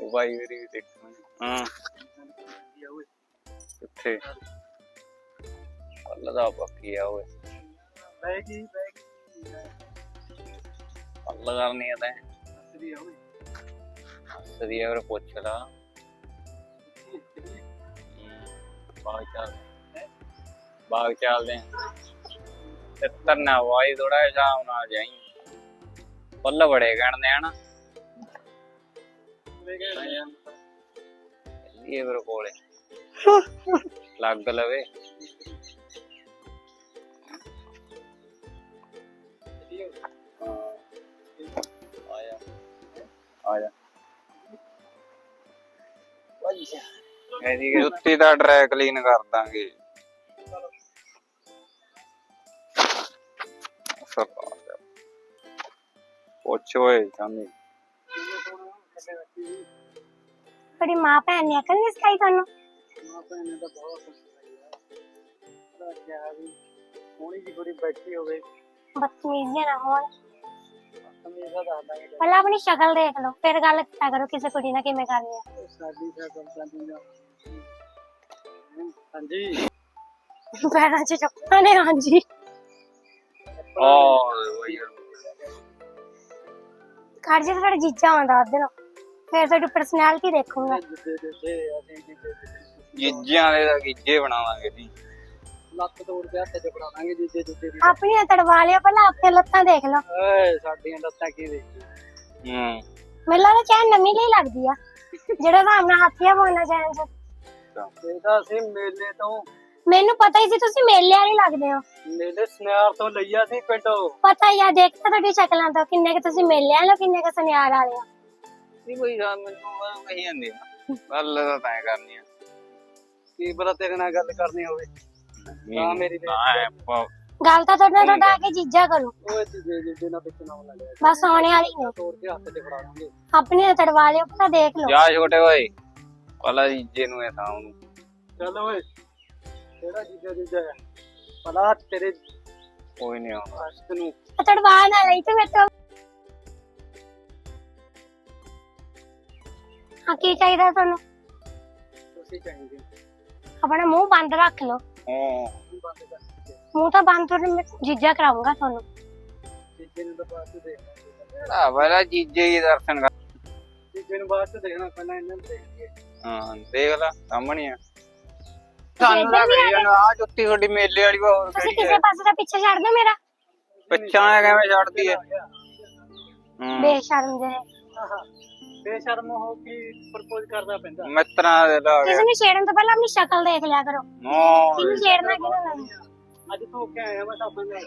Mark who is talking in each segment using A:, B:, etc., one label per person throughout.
A: ਬਾਈ ਮੇਰੀ ਦੇਖੋ। ਹਾਂ ਕਿੱਥੇ ਅੱਲਾ ਦਾ ਬਾਕੀ ਆ ਓਏ
B: ਬੈਗੀ
A: ਅੱਲਾ ਕਰਨੀ ਆ ਤੈਂ ਸਦੀ ਅਗਰ ਪੁੱਛ ਲਾ ਬਾਗ ਚੱਲਦੇ ਤੇ ਤਰਨਾ ਵਾਈ ਥੋੜਾ ਜਿਹਾ ਸ਼ਾਮ ਨਾਲ ਜਾਈ ਫੁੱਲ ਬੜੇ ਗਣਦੇ ਹਨ ਇਹ ਮੇਰੇ ਕੋਲੇ ਲੱਗ ਲਵੇ ਆਇਆ ਇਹਦੀ ਜੁੱਤੀ ਦਾ ਡਰਾਈ ਕਲੀਨ ਕਰ ਦਾਂਗੇ ਪੁੱਛ ਓਏ ਚਾਂਦੀ
C: थोड़ी माँ भैन ने अकल नहीं सिखाई थानू
B: ਮਾਂ ਭੈਣ ਨੇ ਤਾਂ ਬਹੁਤ ਸਿਖਾਈ ਆ ਕਿਹਾ ਵੀ ਸੋਹਣੀ ਜੀ ਕੁੜੀ ਬੈਠੀ ਹੋਵੇ
C: बदतमीजी ना हो
B: ਹਮੇਸ਼ਾ ਦੱਸਦਾ ਕਿ
C: पहले अपनी शक्ल देख लो फिर गल किया करो किसी कुड़ी ने किवें करनी है
B: ਸਾਡੀ ਸਰਪੰਚਾਂ ਦੀ ਨਾ ਹਾਂਜੀ
C: पैरों च चप्पल ने हां जी घर जी थोड़ा जीजा आंदा उधर फिर थोड़ी पर्सनैलिटी देखूंगा
B: ਜਿੱਦੇ ਦਿੱਤੇ ਅਸੀਂ ਜਿੱਦੇ
A: ਗਿੱਜਿਆਂ ਦੇ ਤਾਂ ਗਿੱਜੇ ਬਣਾਵਾਂਗੇ ਜੀ
B: ਲੱਤ ਤੋੜ ਕੇ ਹੱਥ 'ਚ ਫੜਾ ਦਾਂਗੇ ਜਿੱਦੇ ਜਿੱਦੇ ਦੀ
C: अपनी तड़वा लियो पहले अपने लत्तां देख लो
B: ਓਏ ਸਾਡੀਆਂ ਲੱਤਾਂ ਕੀ ਦੇਖੀ
C: मेरे लगदा चाहे नमी नहीं लगदी आ जेड़ा सामने हाथिया बोलना चाहे
B: ਇਹ ਤਾਂ ਅਸੀਂ ਮੇਲੇ ਤੋਂ
C: ਮੈਨੂੰ ਪਤਾ ਹੀ ਸੀ ਤੁਸੀਂ ਮੇਲੇ ਵਾਲੇ ਲੱਗਦੇ ਹੋ
B: ਮੇਲੇ ਸਨਿਆਰ ਤੋਂ ਲਈਆ ਸੀ ਪਿੰਡੋਂ
C: ਪਤਾ ਹੀ ਆ ਦੇਖਤਾ ਤੁਹਾਡੀ ਸ਼ਕਲਾਂ ਤੋਂ ਕਿੰਨੇ ਕਿ ਤੁਸੀਂ ਮੇਲੇ ਵਾਲੇ ਹੋ ਕਿੰਨੇ ਕਿ ਸੁਨਿਆਰ ਵਾਲੇ ਹੋ
A: ਨਹੀਂ ਕੋਈ ਗੱਲ ਮੈਨੂੰ ਕਹੀ ਜਾਂਦੀ ਆ ਗੱਲ ਤਾਂ ਤੈਂ ਕਰਨੀ ਆ
B: ਕੀ ਪਤਾ ਤੇਰੇ ਨਾਲ ਗੱਲ ਕਰਨੀ ਹੋਵੇ ਨਾ ਮੇਰੀ
C: ਗੱਲ ਤਾਂ ਤੁਹਾਡਾ ਆ ਕੇ ਜੀਜਾ ਕਰੋ
B: ਓਏ ਜਿੱਦੇ ਨਾਲ ਵਿੱਚ ਨਾ ਲੱਗਿਆ
C: ਬਸ ਆਉਣੇ ਵਾਲੀ ਨੇ
B: ਤੋੜ ਕੇ ਹੱਥ 'ਚ ਫੜਾ ਦਾਂਗੇ
C: ਆਪਣੀ ਤੜਵਾ ਲਿਓ ਪਤਾ ਦੇਖ ਲਓ
A: ਜਾ ਛੋਟੇ ਓਏ ਪਲਾ ਜੀਜੇ ਨੂੰ ਇਹ ਥਾਂ ਨੂੰ
B: ਚੱਲ ਓਏ ਕਿਹੜਾ ਜੀਜਾ ਹੈ ਪਲਾ ਤੇਰੇ
A: ਕੋਈ ਨਹੀਂ ਆਉਂਦਾ
B: ਆਸ਼ਕ ਨੂੰ
C: ਤੜਵਾ ਨਾ ਲਈ ਤੇ ਮੇਰੇ ਤੋਂ ਹਾਂ ਕੀ ਚਾਹੀਦਾ ਤੁਹਾਨੂੰ
B: ਤੁਸੀਂ ਚਾਹੀਦੇ
C: ਆਪਣਾ ਮੂੰਹ ਬੰਦ ਰੱਖ ਲਓ
B: ਬੰਦ ਕਰ
C: ਮੂੰਹ ਤਾਂ ਬੰਦ ਕਰ ਮੈਂ ਜੀਜਾ ਕਰਾਉਂਗਾ ਤੁਹਾਨੂੰ
B: ਜੀਜੇ ਨੂੰ ਤਾਂ ਬਾਅਦ 'ਚ ਦੇਖਣਾ
A: ਆ ਵਾਲਾ ਜੀਜੇ ਹੀ ਦਰਸ਼ਨ ਕਰ
B: ਜੀਜੇ ਨੂੰ ਬਾਅਦ 'ਚ ਦੇਖਣਾ ਪਹਿਲਾਂ ਇਹਨਾਂ ਨੂੰ ਦੇਖੀਏ
A: ਹਾਂ ਦੇਖ ਲੈ ਸਾਹਮਣੇ ਆ ਸਾਨੂੰ ਲੱਗ ਰਹੀ ਆ ਜੁੱਤੀ ਤੁਹਾਡੀ ਮੇਲੇ ਵਾਲੀ ਵਾ ਹੋਰ
C: ਤੁਸੀਂ
A: ਕਿਹੜੀ
C: ਕਿਸੇ ਪਾਸੇ ਦਾ ਪਿੱਛੇ ਛੱਡ ਦਿਓ ਮੇਰਾ
A: ਪਿੱਛਾ ਕਿਵੇਂ ਛੱਡਦੀ ਐ
C: ਬੇਸ਼ਰਮ ਦੇ
B: ਬੇਸ਼ਰਮ ਹੋ ਕੇ ਪ੍ਰਪੋਜ਼ ਕਰਨਾ ਪੈਂਦਾ
A: ਮਿੱਤਰਾਂ ਦੇ ਲਾ
C: ਕਿਸੇ ਨੂੰ ਛੇੜਨ ਤੋਂ ਪਹਿਲਾਂ ਆਪਣੀ ਸ਼ਕਲ ਦੇਖ ਲਿਆ ਕਰੋ ਕਿਹਨੂੰ ਛੇੜਨਾ ਕਿਹਨੂੰ ਨਹੀਂ
B: ਅੱਜ ਤੋਂ ਕੇ ਆਇਆ ਮੈਂ ਤਾਂ ਬੰਦਾ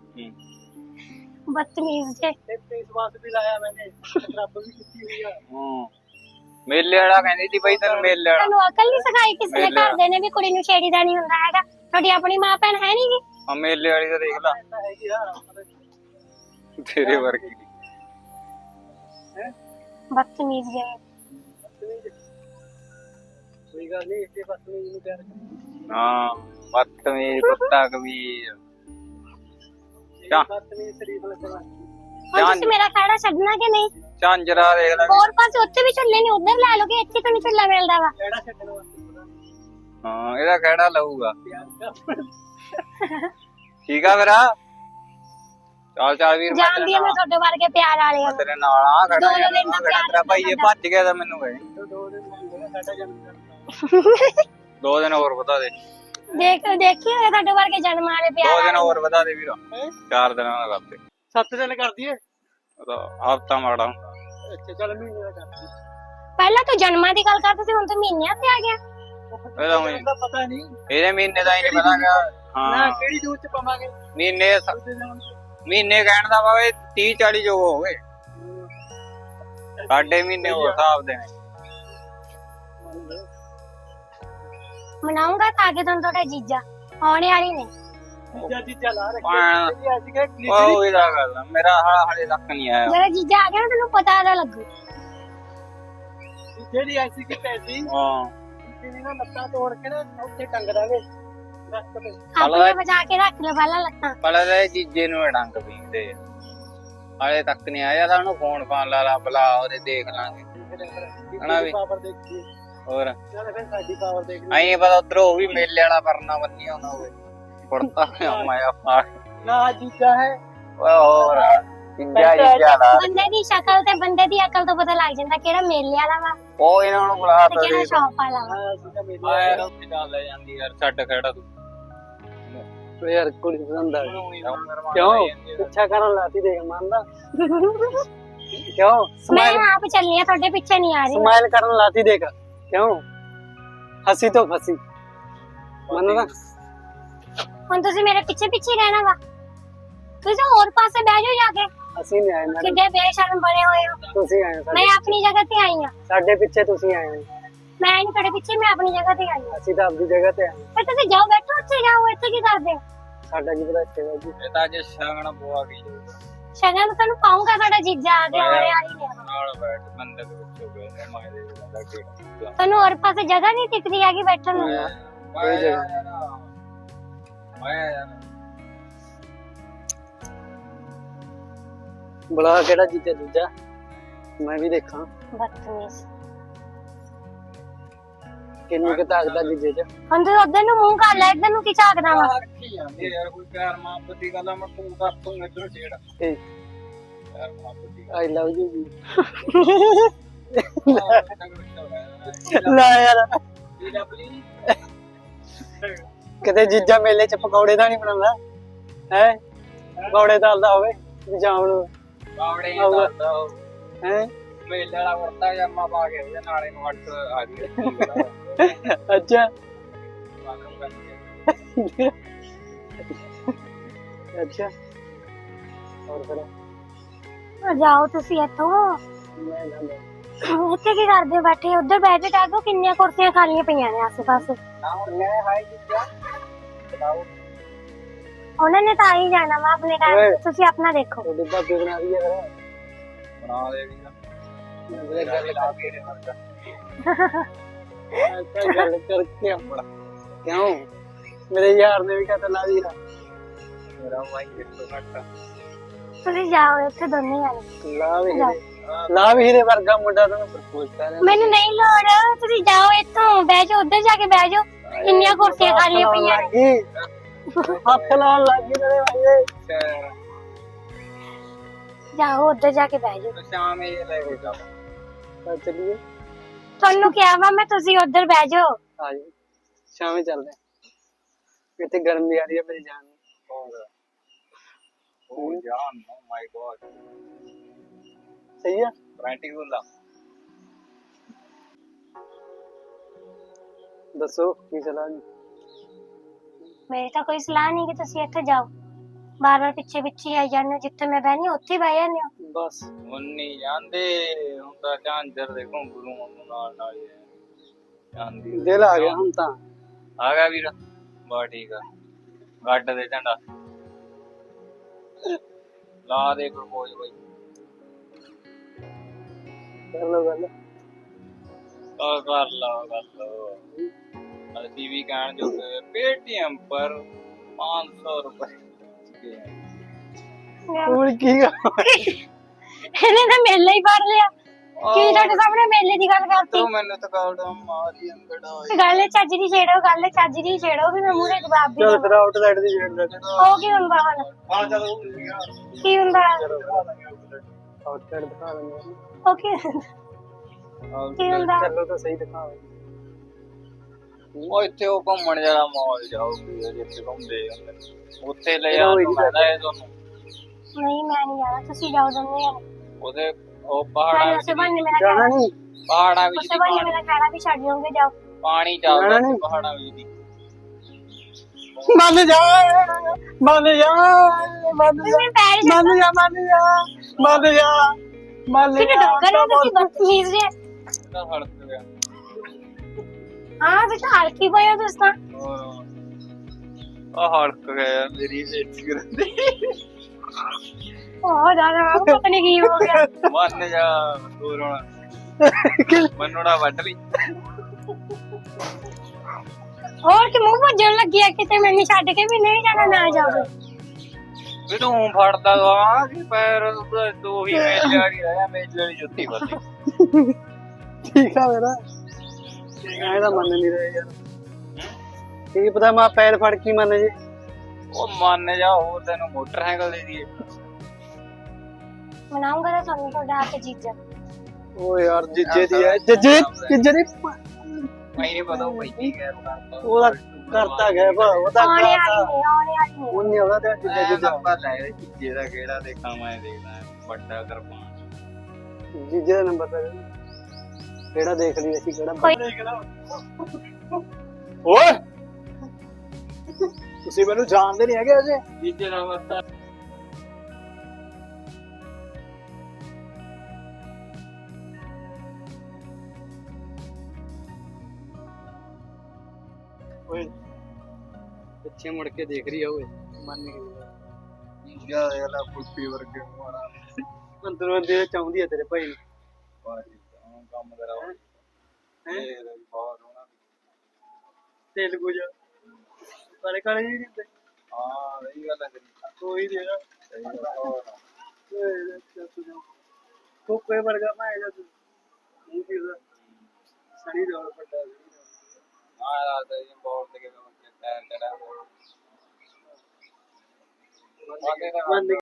C: ਬਦਤਮੀਜ਼ ਜੇ
B: ਤੇ ਫੇਸ ਵਾਸ਼ ਵੀ ਲਾਇਆ ਮੈਨੇ ਰੱਬ ਵੀ ਕੀਤੀ ਹੋਈ ਆ
A: ਮੇਲੇ ਵਾਲਾ ਕਹਿੰਦੀ ਸੀ ਬਈ ਤੈਨੂੰ ਮੇਲੇ ਵਾਲਾ
C: ਤੁਹਾਨੂੰ ਅਕਲ ਨਹੀਂ ਸਿਖਾਈ ਕਿਸੇ ਨੇ ਘਰ ਦੇ ਨੇ ਵੀ ਕੁੜੀ ਨੂੰ ਛੇੜੀਦਾ ਨਹੀਂ ਹੁੰਦਾ ਹੈਗਾ ਤੁਹਾਡੀ ਆਪਣੀ ਮਾਂ ਭੈਣ ਹੈ ਨੀ ਗੀ
A: ਆ ਮੇਲੇ ਵਾਲੀ ਤਾਂ ਦੇਖ ਲਾ
B: ਹੈਗੀ ਆ
A: ਤੇਰੇ ਵਰਗੀ
B: ਹੈ
C: ਬਦਤਮੀਜ਼ ਜੇ
B: ਕੋਈ ਗੱਲ ਨਹੀਂ ਇੱਥੇ ਬਦਤਮੀਜ਼ ਨੂੰ ਪਿਆਰ ਕਰ
A: ਹਾਂ ਬਦਤਮੀਜ਼ ਕੁੱਤਾ ਕਬੀਰ ਚਾ
B: ਬਦਤਮੀਜ਼ ਸ਼ਰੀਫ ਲੱਗਣਾ
C: ਹੁਣ ਤੁਸੀਂ ਮੇਰਾ ਖੜਾ ਛੱਡਣਾ ਕਿ ਨਹੀਂ
A: ਝਾਂਜਰਾ ਦੇਖ ਲੈ
C: ਹੋਰ ਪਾਸੇ ਉੱਥੇ ਵੀ ਝੁੱਲੇ ਨੇ ਉਧਰ ਲੈ ਲੋਗੇ ਇੱਥੇ ਤਾਂ ਨਹੀਂ ਝੁੱਲਾ ਮਿਲਦਾ ਵਾ
B: ਕਿਹੜਾ ਛੱਡਣ ਵਾਸਤੇ
A: ਹਾਂ ਇਹਦਾ ਕਿਹੜਾ ਲਊਗਾ
B: ਪਿਆਰ ਕਰ
A: ਠੀਕ ਆ ਮੇਰਾ ਚੱਲ ਚੱਲ ਵੀਰ ਮੈਂ
C: ਜਾਣਦੀ ਆ ਮੈਂ ਤੁਹਾਡੇ ਵਰਗੇ ਪਿਆਰ ਵਾਲੇ ਆ
A: ਤੇਰੇ ਨਾਲ ਆ ਖੜਾ
C: ਦੋ ਦਿਨ ਦਾ ਪਿਆਰ
A: ਤੇਰਾ ਭਾਈ ਇਹ ਭੱਜ ਗਿਆ ਤਾਂ ਮੈਨੂੰ ਕਹੇ
B: ਦੋ ਦਿਨ ਮੰਗਣਾ ਸਾਡਾ ਜਨਮ
A: 2 ਦਿਨ ਹੋਰ ਵਧਾ ਦੇ
C: ਦੇਖੀ ਹੋਏ ਤੁਹਾਡੇ ਵਰਗੇ ਜਨਮ ਵਾਲੇ
A: 2
C: ਪਿਆਰ
A: ਦਿਨ ਹੋਰ ਵਧਾ ਦੇ ਵੀਰ 4 ਦਿਨਾਂ ਦਾ ਕਰਦੇ
B: 7 ਦਿਨ ਕਰ ਦਈਏ
A: ਹਫਤਾ ਮਾੜਾ
B: ਅੱਛਾ ਚੱਲ ਮਹੀਨੇ ਦਾ ਕਰ ਦਈਏ
C: ਪਹਿਲਾਂ ਤੂੰ ਜਨਮਾਂ ਦੀ ਗੱਲ ਕਰਦਾ ਸੀ ਹੁਣ ਤੂੰ ਮਹੀਨਿਆਂ ਤੇ ਆ ਗਿਆ
A: ਇਹਦਾ ਊਂ ਹੀ।
B: ਦਾ ਪਤਾ ਨਹੀਂ
A: ਇਹਦੇ ਮਹੀਨੇ ਦਾ ਹੀ ਨਹੀਂ ਪਤਾ ਗਾ
B: ਨਾ
A: ਹਾਂ
B: ਕਿਹੜੀ ਜੂਤ ਚ ਪਾਵਾਂਗੇ
A: ਮਹੀਨੇ ਕਹਿਣ ਦਾ ਵਾ 30 40 ਜੋ ਹੋਵੇ ਸਾਡੇ ਮਹੀਨੇ ਹੋਰ ਹਿਸਾਬ ਦੇ ਨੇ
C: ਮਨਾਉਂਗਾ ਤਾਂ ਆਗੇ ਤੁਹਾਨੂੰ ਤੁਹਾਡਾ ਜੀਜਾ ਆਉਣੇ ਵਾਲੀ ਨੇ
B: ਜੀਜਾ ਲਾ ਰੱਖਿਆ ਅੱਜ ਕੇ
A: ਉਹ ਇਹਦਾ ਗੱਲ ਆ, ਮੇਰਾ ਹਾਲੇ ਤੱਕ ਨਹੀਂ ਆਇਆ
C: ਮੇਰਾ ਜੀਜਾ ਆ ਗਿਆ ਨਾ ਤੈਨੂੰ ਪਤਾ ਤਾਂ ਲੱਗੂ
B: ਜਿਹੜੀ ਐਸੀ ਕਿ ਪੈਸੀ
A: ਹਾਂ
B: ਤੇਰੀ ਨਾ ਲੱਤਾਂ ਤੋੜ ਕੇ ਨਾ ਉੱਥੇ ਟੰਗ ਦਾਂਗੇ ਰੱਖ ਤੇ
C: ਆਪਣੇ ਬਚਾ ਕੇ ਰੱਖ ਲੈ ਪਹਿਲਾਂ ਲੱਤਾਂ
A: ਪਹਿਲਾਂ ਤਾਂ ਇਹ ਜੀਜੇ ਨੂੰ ਡੰਗ ਪੀਂਦੇ ਹਾਲੇ ਤੱਕ ਨਹੀਂ ਆਇਆ ਤਾਂ ਉਹਨੂੰ ਫੋਨ ਲਾ ਬੁਲਾ ਉਹਦੇ ਦੇਖ ਲਾਂਗੇ ਹਨਾ ਵੀ।
B: ਪਾਵਰ ਦੇਖੀ
A: ਹੋਰ
B: ਚੱਲ ਫਿਰ ਸਾਡੀ ਪਾਵਰ ਦੇਖ ਲਈ।
A: ਆਈ ਪਤਾ ਉਧਰੋਂ ਉਹ ਵੀ ਮੇਲੇ ਵਾਲਾ ਪਰਨਾ ਬੰਨੀ ਆਉਂਦਾ ਹੋਵੇ ਕੁੜਤਾ ਮਾਇਆ ਪਾ
B: ਨਾ ਜੀਜਾ ਹੈ
A: ਓਏ ਹੋਰ ਜੀਜਾ ਦਾ
C: ਬੰਦੇ ਦੀ ਸ਼ਕਲ ਤੇ ਬੰਦੇ ਦੀ ਅਕਲ ਤੋਂ ਪਤਾ ਲੱਗ ਜਾਂਦਾ ਕਿਹੜਾ ਮੇਲੇ ਵਾਲਾ ਵਾ
A: ਉਹ ਇਹਨਾਂ ਨੂੰ ਬੁਲਾ
C: ਤੇ ਕਿਹੜਾ ਸ਼ੌਪ ਵਾਲਾ ਵਾ।
B: ਹਾਂ ਸੀਗਾ ਮੇਲੇ
A: ਆਇਆ ਰੋਟੀ ਚੱਲ ਲੈ ਜਾਂਦੀ ਯਾਰ ਛੱਡ ਖੜਾ ਤੂੰ
B: ਓ ਯਾਰ ਕੁੜੀ ਪਸੰਦ ਆ ਗਈ। ਕਿਉਂ ਪਿੱਛਾ ਕਰਨ ਲਾਤੀ ਦੇਖ ਮੰਨਦਾ ਕਿਉਂ
C: ਮੈਂ
B: ਸਮਾਈਲ
C: ਆਪ ਚੱਲਨੀ ਆ ਤੁਹਾਡੇ ਪਿੱਛੇ ਨਹੀਂ ਆ ਰਹੀ।
B: ਸਮਾਈਲ ਕਰਨ ਲਾਤੀ ਦੇਖ ਕਿਉਂ ਹੱਸੀ ਤੋਂ ਫਸੀ ਮੰਨਦਾ
C: ਹੁਣ ਤੁਸੀਂ ਮੇਰੇ ਪਿੱਛੇ ਪਿੱਛੇ ਹੀ ਰਹਿਣਾ ਵਾ। ਤੁਸੀਂ ਹੋਰ ਪਾਸੇ ਬਹਿ ਜਾਓ ਜਾ ਕੇ।
B: ਅਸੀਂ ਨਹੀਂ ਆਏ ਮੈਡਮ
C: ਕਿੱਡੇ ਬੇਸ਼ਰਮ ਬਣੇ ਹੋਏ ਹੋ।
B: ਤੁਸੀਂ ਆਏ
C: ਮੈਂ
B: ਸਾਡੇ
C: ਆਪਣੀ ਜਗ੍ਹਾ ਤੇ ਆਈ ਆ।
B: ਸਾਡੇ ਪਿੱਛੇ ਤੁਸੀਂ ਆਏ ਹੋ
C: ਮੈਂ ਨਹੀਂ ਤੁਹਾਡੇ ਪਿੱਛੇ ਮੈਂ ਆਪਣੀ ਜਗ੍ਹਾ ਤੇ ਆਈ ਆ।
B: ਅਸੀਂ ਤਾਂ ਆਪਣੀ ਜਗ੍ਹਾ ਤੇ ਆਏ ਹਾਂ।
C: ਫਿਰ ਤੁਸੀਂ ਜਾਓ ਬੈਠੋ ਉੱਥੇ ਜਾਓ ਇੱਥੇ ਕੀ ਕਰਦੇ ਹੋ।
B: ਸਾਡਾ ਕੀ ਪਤਾ ਇੱਥੇ ਦਾ ਜੀ
A: ਇਹ ਤਾਂ ਜੇ ਸ਼ਗਨ ਪਵਾ ਗਈ
C: ਸ਼ਗਨ ਤਾਂ ਤੁਹਾਨੂੰ ਪਾਉਂਗਾ ਤੁਹਾਡਾ ਜੀਜਾ ਆ ਗਿਆ ਹੋਰੇ ਵਾਲੀ ਨੇ।
A: ਨਾਲ ਬੈਠ ਬੰਦੇ ਦੇ ਵਿੱਚ ਹੋ ਗਏ ਮਾਏ ਦੇ ਦਾ ਕਿਹੜਾ
C: ਤੁਹਾਨੂੰ ਹੋਰ ਪਾਸੇ ਜਗ੍ਹਾ ਨਹੀਂ ਟਿਕਦੀ ਹੈਗੀ ਬੈਠਣ ਨੂੰ।
A: ਕੋਈ ਜਗ੍ਹਾ ਮੈਂ
B: ਬੁਲਾ ਕਿਹੜਾ ਜੀਜਾ ਦੂਜਾ ਮੈਂ ਵੀ ਦੇਖਾਂ
C: ਬਦਤਮੀਜ਼।
B: ਕਿੰਨੀ ਕੁ ਤਾਕਤ ਆ ਜੀਜੇ ਚ
C: ਹੁਣ ਤੂੰ ਉਧਰ ਨੂੰ ਮੂੰਹ ਕਰ ਲੈ ਇੱਧਰ ਨੂੰ ਕੀ ਝਾਕਦਾ ਵਾ।
A: ਰੱਖੀ ਜਾਂਦੀ ਯਾਰ ਕੋਈ ਪਿਆਰ ਮੁਹੱਬਤ ਦੀ ਗੱਲ ਆ ਮੈਂ ਤੂੰ ਕਰ ਤੂੰ ਇੱਧਰ ਛੇੜ
B: ਤੇ
A: ਪਿਆਰ ਮੁਹੱਬਤ ਦੀ
B: ਆਈ ਲਵ ਯੂ ਜੀ
A: ਗੱਲ
B: ਲੈ ਯਾਰ
A: ਜੀ ਡਬਲੀ
B: ਕਿਤੇ ਜੀਜਾ ਮੇਲੇ ਚ ਪਕੌੜੇ ਦਾ ਨਹੀਂ ਬਣਾਉਂਦਾ ਹੈ ਪਕੌੜੇ ਤਲਦਾ ਹੋਵੇ ਸ਼ਾਮ ਨੂੰ
A: ਬਾਵੜੇ
B: ਆਊਗਾ।
A: ਦਾ
B: ਹੈ
A: ਮੇਲੇ ਵਾਲਾ ਵਰਤਾ ਜੰਮਾ ਪਾ ਕੇ ਉਹਦੇ ਨਾਲੇ ਨੂੰ ਹੱਟ ਆ ਗਈ
B: ਅੱਛਾ ਅੱਛਾ ਹੋਰ ਫਿਰ
C: ਜਾਓ ਤੁਸੀਂ ਇੱਥੋਂ।
B: ਮੈਂ ਜਾਂਦਾ
C: ਇੱਥੇ ਕੀ ਕਰਦੇ ਹੋ ਬੈਠੇ ਉੱਧਰ ਬੈਠੇ ਟਾਗੋ ਕਿੰਨੀਆਂ ਕੁਰਸੀਆਂ ਖਾਲੀਆਂ ਪਈਆਂ ਨੇ ਆਸੇ ਪਾਸੇ।
B: ਨਾ ਹੁਣ ਮੈਂ ਹਾਈ ਜੀਜਾ ਬਤਾਓ
C: ਉਹਨਾਂ ਨੇ ਤਾਂ ਆ ਹੀ ਜਾਣਾ ਵਾ ਆਪਣੇ ਟਾਈਮ ਤੁਸੀਂ ਆਪਣਾ ਦੇਖੋ।
B: ਤੁਹਾਡੇ ਭਾਬੀ ਬਣਾ ਰਹੀ ਹੈ
A: ਬਣਾ ਦੇ ਵੀ
B: ਫਿਰ ਗੱਲ ਲਾ ਕੇ ਗੱਲ ਕਰਕੇ ਆਪਣਾ ਕਿਉਂ ਮੇਰੇ ਯਾਰ ਨੇ ਵੀ ਕਹਤਾ ਲਾ ਦੀ
A: ਮੇਰਾ ਮਾਈਕ ਕਿੱਥੋਂ ਘੱਟ
C: ਤੁਸੀਂ ਜਾਓ ਇੱਥੇ ਦੋਨੇ ਜਾਣੇ।
B: ਲਾ ਵੀ ਹੀਰੇ ਵਰਗਾ ਮੁੰਡਾ ਤੁਹਾਨੂੰ ਪ੍ਰਪੋਜ਼ ਕਰ ਰਿਹਾ
C: ਮੈਨੂੰ ਨਹੀਂ ਲੋੜ ਤੁਸੀਂ ਜਾਓ ਇੱਥੋਂ ਬਹਿ ਜਾਓ ਉੱਧਰ ਜਾ ਕੇ ਬਹਿ ਜਾਓ ਕਿੰਨੀਆਂ ਕੁਰਸੀਆਂ ਖਾਲੀਆਂ ਪਈਆਂ ਨੇ।
B: ਹੱਥ ਲਾਉਣ ਲੱਗੀ ਤੇਰੇ ਭਾਈ
C: ਜਾਓ ਉੱਧਰ ਜਾ ਕੇ ਬਹਿ ਜਾਓ।
A: ਸ਼ਾਮ ਇਹ ਲੈ ਕੇ ਜਾ
B: ਚੱਲੀਏ
C: ਤੁਹਾਨੂੰ ਕਿਹਾ ਵਾ ਮੈਂ ਤੁਸੀਂ ਉੱਧਰ ਬਹਿ ਜਾਓ।
B: ਆ ਜਾਓ ਸ਼ਾਮੇ ਚੱਲਦੇ ਹਾਂ। ਇੱਥੇ ਗਰਮੀ ਆ ਰਹੀ ਹੈ ਮੇਰੀ ਜਾਨ ਨੂੰ
A: ਉਹ ਜਾਨ ਓ ਮਾਈ ਗॉड
B: ਸਹੀ ਆ
A: ਪ੍ਰੈਕਟੀਕਲ ਆ
B: ਦੱਸੋ ਕੀ ਸਲਾਹ ਜੀ
C: ਮੇਰੀ ਤਾਂ ਕੋਈ ਸਲਾਹ ਨਹੀਂ ਕਿ ਤੁਸੀਂ ਇੱਥੇ ਜਾਓ ਬਾਰ ਬਾਰ ਪਿੱਛੇ ਪਿੱਛੇ ਆਈ ਜਾਂਦੇ ਹੋ। ਜਿੱਥੇ ਮੈਂ ਬਹਿਨੀ ਉੱਥੇ ਹੀ ਬਹਿ ਜਾਂਦੇ ਹੋ।
B: ਬਸ
A: ਮੁੰਨੀ ਜਾਂਦੇ ਹੁੰਦਾ ਝਾਂਜਰ ਦੇ ਘੁੰਗਰੂ ਨੂੰ ਨਾਲ ਨਾਲ ਹੀ ਜਾਂਦੀ
B: ਦਿਲ ਆ ਗਿਆ ਹੁਣ ਤਾਂ
A: ਆ ਗਿਆ ਵੀਰ ਬਾ ਠੀਕ ਆ ਗੱਡ ਦੇ ਝੰਡਾ ਲਾ ਦੇ ਪ੍ਰਪੋਜ਼ ਬਾਈ
B: ਕਰ ਲੋ ਗੱਲ
A: ਆ ਕਰ ਲਾ ਗੱਲ ਅਸੀਂ ਵੀ ਕਹਿਣ ਜੋਗੇ पेटीएम पर 500 रुपए
B: ਹੁਣ ਕੀ
C: ਇਹਨੇ ਤਾਂ ਮੇਲਾ ਹੀ ਫੜ ਲਿਆ। ਕੀ ਤੁਹਾਡੇ ਸਾਹਮਣੇ ਮੇਲੇ ਦੀ ਗੱਲ ਕਰਤੀ।
A: ਤੂੰ ਮੈਨੂੰ ਤਾਂ ਕਾਉੜਾ ਮਾਰੀ ਅੰਗੜਾ
C: ਗੱਲ ਚੱਜ ਦੀ ਛੇੜੋ ਗੱਲ ਚੱਜ ਦੀ ਛੇੜੋ ਵੀ ਮੈਂ ਮੂਹਰੇ ਜਵਾਬ ਦੇ
B: ਚਲ ਫਿਰ ਆਊਟਸਾਈਡ ਦੀ ਜੇੜ ਲੈ
C: ਉਹ ਕੀ ਹੁੰਦਾ ਹੁਣ
A: ਹਾਂ ਚਲੋ
C: ਕੀ ਹੁੰਦਾ
B: ਆਊਟਸਾਈਡ ਦਿਖਾ ਦਿੰਦੇ
C: ਉਹ ਕੀ ਹੁੰਦਾ
B: ਚੱਲੋ ਤਾਂ ਸਹੀ ਦਿਖਾਓ
A: ਉਹ ਇੱਥੇ ਉਹ ਘੁੰਮਣ ਜਾਣਾ ਮਾਲ ਜਾਓਗੇ ਜਿੱਥੇ ਘੁੰਮਦੇ ਹੁੰਦੇ ਨੇ। ਉੱਥੇ ਲੈ ਜਾ ਤੁਹਾਨੂੰ
C: ਨਹੀਂ ਮੈਂ ਨਹੀਂ ਜਾਣਾ ਤੁਸੀਂ ਜਾਓ ਦੋਨੇ ਜਾਣੇ।
A: ਉਹਦੇ ਉਹ ਪਹਾੜਾਂ
C: ਮੈਂ
A: ਵਿੱਚ
C: ਉਸੇ ਬੰਨੇ ਮੇਰਾ
B: ਜਾਣਾ ਨਹੀਂ
A: ਪਹਾੜਾਂ ਵਿੱਚ
C: ਉਸੇ ਬੰਨੇ ਮੇਰਾ ਖਾਣਾ ਵੀ ਛੱਡ ਜਾਓਗੇ ਜਾਓ।
A: ਪਾਣੀ ਚੱਲਦਾ ਸੀ ਪਹਾੜਾਂ ਵਿੱਚ ਦੀ
B: ਮੰਨ ਜਾ ਮੰਨ ਜਾ ਮੰਨ ਜਾ
C: ਤੁਸੀਂ ਪੈਰ
B: ਮੰਨ ਜਾ ਮੰਨ ਜਾ ਮੰਨ ਜਾ ਮੰਨ
C: ਕਿਤੇ
B: ਜਾ
C: ਡੋਗਰ ਹੋ ਤੁਸੀਂ ਬਦਤਮੀਜ਼ ਜੇ।
A: ਤਾਂ ਹੜਕ ਗਿਆ
C: ਹਾਂ ਤੁਸੀਂ ਹਲਕੀ ਪਏ ਹੋ ਤੁਸੀਂ ਤਾਂ।
A: ਆ ਹੜਕ ਗਿਆ ਮੇਰੀ ਬੇਇੱਜ਼ਤੀ ਕਰਦੇ
C: ਉਹ ਜਾਣਾ ਪਤਾ ਨਹੀਂ ਕੀ ਹੋ ਗਿਆ।
A: ਮੰਨ ਜਾ ਦੂਰ ਹੋਣਾ ਮੰਨੋੜਾ ਵੱਢ ਲਈ
C: ਹੋਰ ਕਿ ਮੂੰਹ ਭੱਜਣ ਲੱਗੀ ਆ ਕਿਤੇ ਮੈਨੂੰ ਛੱਡ ਕੇ ਵੀ ਨਹੀਂ ਜਾਣਾ ਨਾ ਜਾਓਗੇ।
A: ਵੀ ਤੂੰ ਫੜਦਾ ਵਾ ਕਿ ਪੈਰ ਤੂੰ ਹੀ ਮੇਲੇ ਵਾਲੀ ਰਹਿ ਮੇਲੇ ਵਾਲੀ ਜੁੱਤੀ ਬੰਦੀ
B: ਠੀਕ ਆ ਮੇਰਾ ਐਂ ਤਾਂ ਮੰਨ ਨਹੀਂ ਰਹੇ ਯਾਰ ਕੀ ਪਤਾ ਮੈਂ ਪੈਰ ਫੜ ਕੇ ਮੰਨ ਜੇ
A: ਉਹ ਮੰਨ ਜਾ ਹੋਰ ਤੈਨੂੰ ਮੋਟਰਸਾਈਕਲ ਦੇ ਦੀਏ
C: ਮਨਾਉਂਗਾ ਤਾਂ ਤੁਹਾਨੂੰ ਤੁਹਾਡਾ ਆ ਕੇ ਜੀਜਾ
B: ਓ ਯਾਰ ਜੀਜੇ ਦੀ ਹੈ ਜੀਜੇ ਦੀ
A: ਮੈਂ ਨਹੀਂ ਪਤਾ ਉਹ ਕੀ ਕਹਿ ਰਿਹਾ
B: ਉਹਦਾ ਕਰਤਾ ਗਿਆ ਉਹਦਾ
C: ਆਉਣੇ
B: ਕਰਤਾ
C: ਵਾਲੀ ਨੇ ਆਉਣੇ ਵਾਲੀ ਨੇ
B: ਉਹਨੇ ਉਹਦਾ ਤੇ ਜੀਜੇ
A: ਜੀਜਾ
B: ਜੀਜਾ
A: ਪਤਾ ਹੈ ਜੀਜੇ ਦਾ ਕਿਹੜਾ ਦੇਖਾਂ ਮੈਂ ਦੇਖਦਾ ਵੱਡਾ ਕਰਪਾਨ
B: ਜੀਜੇ ਦਾ ਨੰਬਰ ਤਾਂ ਕਿਹੜਾ ਦੇਖ ਲਈ ਅਸੀਂ ਕਿਹੜਾ ਓਏ ਤੁਸੀਂ ਮੈਨੂੰ ਜਾਣਦੇ ਨਹੀਂ ਹੈਗੇ ਅਜੇ
A: ਜੀਜੇ ਦਾ ਵਸਤਾ
B: ਓਏ ਪਿੱਛੇ ਮੁੜ ਕੇ ਦੇਖ ਰਹੀ ਆ ਓਏ ਮੰਨ ਗਈ
A: ਜੀਜਾ ਇਹਦਾ ਪੁੱਪੀ ਵਰਗੇ ਮਾਰਾ
B: ਅੰਦਰੋਂ ਦੇ ਚਾਹੁੰਦੀ ਆ ਤੇਰੇ ਭਾਈ ਨੂੰ
A: ਬਾਜੀ ਕੰਮ ਕਰਾ ਇਹ ਬਹੁਤ ਹੋਣਾ
B: ਤੇਲਗੂ ਜਾ ਕਾਲੇ ਕਾਲੇ ਜੀ ਹੁੰਦੇ
A: ਹਾਂ ਸਹੀ ਗੱਲ ਹੈ ਤੇਰੀ
B: ਕੋਈ ਦੇ ਨਾ
A: ਸਹੀ ਗੱਲ ਹੈ
B: ਓਏ ਤੂੰ ਕੋਈ ਵਰਗਾ ਮੈਂ ਜਾ ਤੂੰ ਨਹੀਂ ਕਿਦਾ ਸਣੀ ਦਾ ਵੱਡਾ
A: ਹਾਂ ਰਾਤ ਇਹ ਬਹੁਤ ਤੇ ਟਾਇਰ ਚੜਾ
B: ਮੰਨ